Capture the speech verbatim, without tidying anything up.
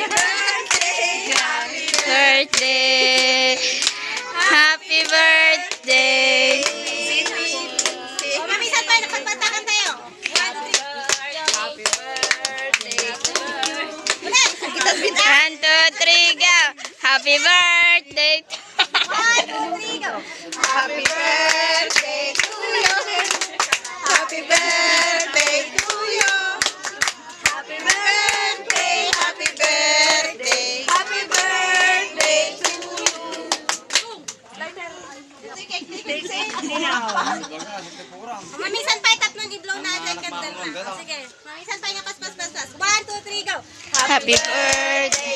birthday. Happy birthday. O, mamisan tayo. Napagpantakan tayo. Happy birthday to you. Ulit. One, two, three, go. Happy birthday. One, two, three, go. Happy birthday to you. Happy birthday to you. Happy birthday, happy birthday, happy birthday to you. Mamisan tayo. Tatlong i-blow na. Second na. Sige. Mamisan tayo na pas, pas, pas, pas. One, two, three, go. Happy birthday